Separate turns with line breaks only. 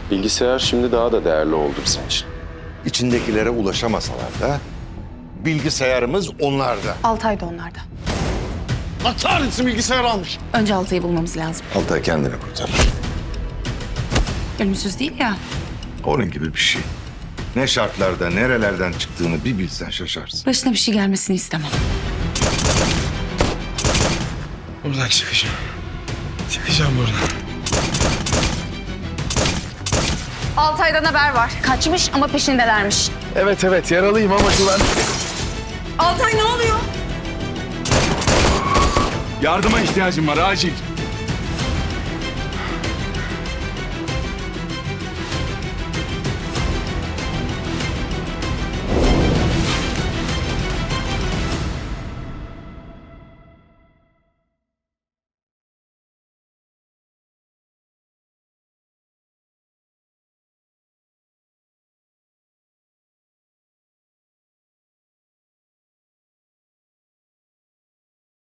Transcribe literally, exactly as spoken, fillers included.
Bilgisayar şimdi daha da değerli oldu bizim için.
İçindekilere ulaşamasalar da bilgisayarımız onlarda.
Altay da onlarda.
Atar mısın bilgisayar almış?
Önce Altay'ı bulmamız lazım.
Altay kendini kurtarır.
Ölümsüz değil ya.
Onun gibi bir şey. Ne şartlarda, nerelerden çıktığını bir bilsen şaşarsın.
Başına bir şey gelmesini istemem.
Buradan çıkacağım. Çıkacağım buradan.
Altay'dan haber var. Kaçmış ama peşindelermiş.
Evet evet yaralıyım ama güven.
Altay ne oluyor?
Yardıma ihtiyacım var acil.